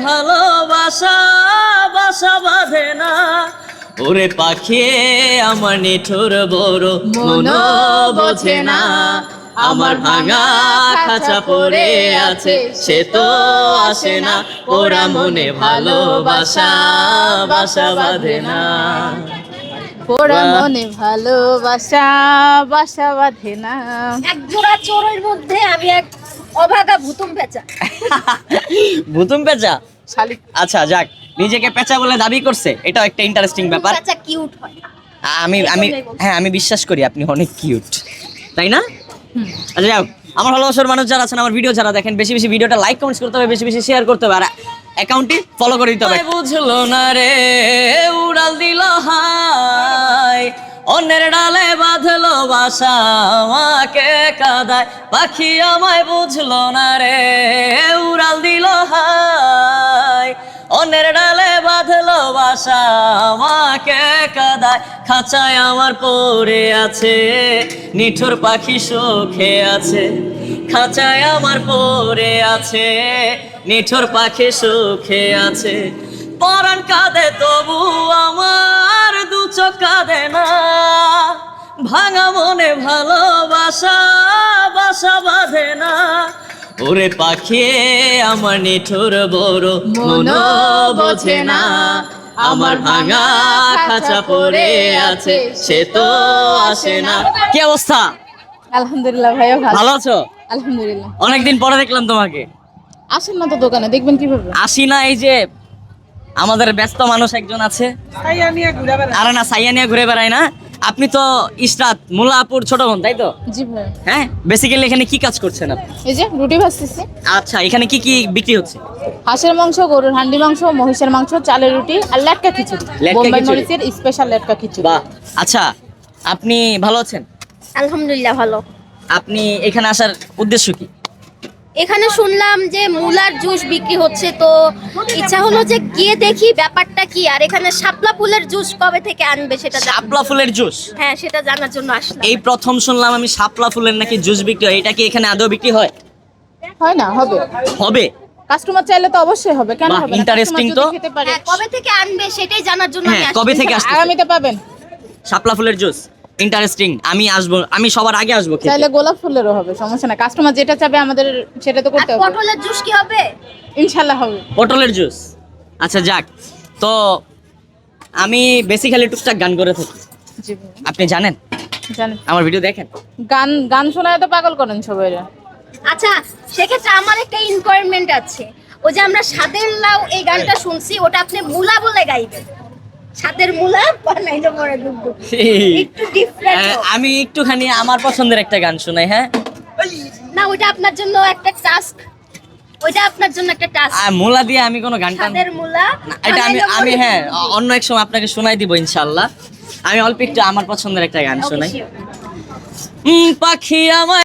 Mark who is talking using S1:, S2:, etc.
S1: ভালোবাসা বাসা বাঁধে না। ওরে পাখি আমার নিঠুর বড় মন বোঝে না। আমার ভাঙা খাঁচা পড়ে আছে সে তো আসে না। ওরা মনে ভালোবাসা বাসা বাঁধে না।
S2: পোড়া মনে ভালোবাসা বাসা বাঁধে না।
S3: এক জোড়া চোরের মধ্যে আমি এক অভাগা ভুতুম পেঁচা।
S1: ভুতুম পেঁচা?
S2: শালিক।
S1: আচ্ছা যাক, নিজেকে পেঁচা বলে দাবি করছে, এটাও একটা ইন্টারেস্টিং ব্যাপার।
S3: পেঁচা কিউট হয়।
S1: আমি আমি হ্যাঁ, আমি বিশ্বাস করি আপনি অনেক কিউট, তাই না? আচ্ছা যাক, আমার ভালোবাসার মানুষ যারা আছেন, আমার ভিডিও যারা দেখেন, বেশি বেশি ভিডিওটা লাইক কমেন্টস করতে হবে, বেশি বেশি শেয়ার করতে হবে, আর অ্যাকাউন্টটি ফলো করে দিতে হবে। বুঝলো না রে উড়াল দিল হাই, অন্যের ডালে বাঁধলো বাসা আমাকে কাদায়। পাখি আমায় বুঝলো না রে উড়াল দিল হাই, অন্যের ডালে বাঁধলো বাসা আমাকে কাদায়। খাঁচায় আমার পড়ে আছে নিঠুর পাখি সুখে আছে। খাঁচায় আমার পড়ে আছে নিঠুর পাখি সুখে আছে। পরাণ কাঁদে তবু আমার দু চোখ কাঁদে না। ভাঙা মনে ভালোবাসা বাসা বাঁধে না। ওরে পাখি আমার নিঠুর বড় মন বোঝে না। আমার ভাঙা খাঁচা পড়ে আছে সে তো আসে না। কি অবস্থা?
S2: আলহামদুলিল্লাহ ভাইয়া ভালো।
S1: ভালো আছো?
S2: আলহামদুলিল্লাহ।
S1: অনেকদিন পরে দেখলাম তোমাকে।
S2: আসেন না তো দোকানে, দেখবেন কিভাবে।
S1: আসি না, এই যে আমাদের ব্যস্ত মানুষ একজন আছে, আরে না সাইয়া নিয়ে ঘুরে বেড়ায় না। আপনি তো ইশরাত মুল্লাপুর ছোট বোন, তাই তো?
S2: জি ভাই।
S1: হ্যাঁ, বেসিক্যালি এখানে কি কাজ করছেন আপনি?
S2: এই যে রুটি ভাজতেছি।
S1: আচ্ছা, এখানে কি কি বিক্রি হচ্ছে?
S2: হাঁসের মাংস, গরুর হান্ডি মাংস, মহিষের মাংস, চালের রুটি আর লেটকা খিচুড়ি।
S1: লেটকা
S2: বোম্বাই
S1: খিচুড়ি।
S2: মরিচের স্পেশাল লেটকা খিচুড়ি।
S1: বাহ। আচ্ছা, আপনি ভালো আছেন?
S3: আলহামদুলিল্লাহ ভালো।
S1: আপনি এখানে আসার উদ্দেশ্য কি?
S3: এখানে শুনলাম যে মুলার জুস বিক্রি হচ্ছে, তো ইচ্ছা হলো যে গিয়ে দেখি ব্যাপারটা কি। আর এখানে শাপলা ফুলের জুস কবে থেকে আনবে সেটা
S1: শাপলা ফুলের জুস?
S3: হ্যাঁ, সেটা জানার জন্য আসলাম।
S1: এই প্রথম শুনলাম আমি শাপলা ফুলের নাকি জুস বিক্রি হয়। এটা কি এখানে আদৌ বিক্রি হয়?
S2: হয় না, হবে।
S1: হবে?
S2: কাস্টমার চাইলে তো অবশ্যই হবে, কেন
S1: বাহ,
S2: হবে না?
S1: interesting
S2: Customer যদি
S1: তো।
S2: খেতে পারে।
S3: হ্যাঁ, কবে থেকে আনবে সেটাই জানার জন্য আমি
S1: হ্যাঁ,
S3: আসলাম।
S1: কবে থেকে আসছে?
S2: আগামীতে পাবেন।
S1: শাপলা ফুলের জুস ইন্টারেস্টিং। আমি আসবো, আমি সবার আগে আসবো খেতে।
S2: চাইলে গোলাপ ফুলেরও হবে, সমস্যা না। কাস্টমার যেটা চাবে আমাদের সেটা তো
S3: আর
S2: করতে হবে।
S3: পটলের জুস কি হবে?
S2: ইনশাআল্লাহ হবে।
S1: পটলের জুস? আচ্ছা যাক, তো আমি বেসিক্যালি টুকটাক গান করে থাকি,
S2: জি ভাই।
S1: আপনি জানেন?
S2: জানেন।
S1: আমার ভিডিও দেখেন?
S2: গান গান শোনায় তো পাগল করেন সবাই।
S3: আচ্ছা, সেক্ষেত্রে আমার একটা ইনকোয়ারমেন্ট আছে। ওই যে আমরা সাদের লাউ এই গানটা শুনছি, ওটা আপনি মুলা বলে গাইবেন। সাদের মুলা বানাইলে পরে ডুবডুব। একটু ডিফারেন্ট।
S1: আমি একটুখানি আমার পছন্দের একটা গান শোনাই। হ্যাঁ,
S3: না, ওইটা আপনার জন্য একটা টাস্ক। ওইটা আপনার জন্য একটা টাস্ক।
S1: মোলা দিয়ে আমি কোনো গান টান
S3: সাদের মুলা
S1: না, এটা আমি
S3: বানাইলে
S1: আমি
S3: পরে
S1: হ্যাঁ
S3: ডুবডুব।
S1: অন্য এক সময় আপনাকে শোনাই দিব ইনশাআল্লাহ। আমি অল্প একটু আমার পছন্দের একটা গান শোনাই।
S3: Okay, sure.
S1: পাখি আমার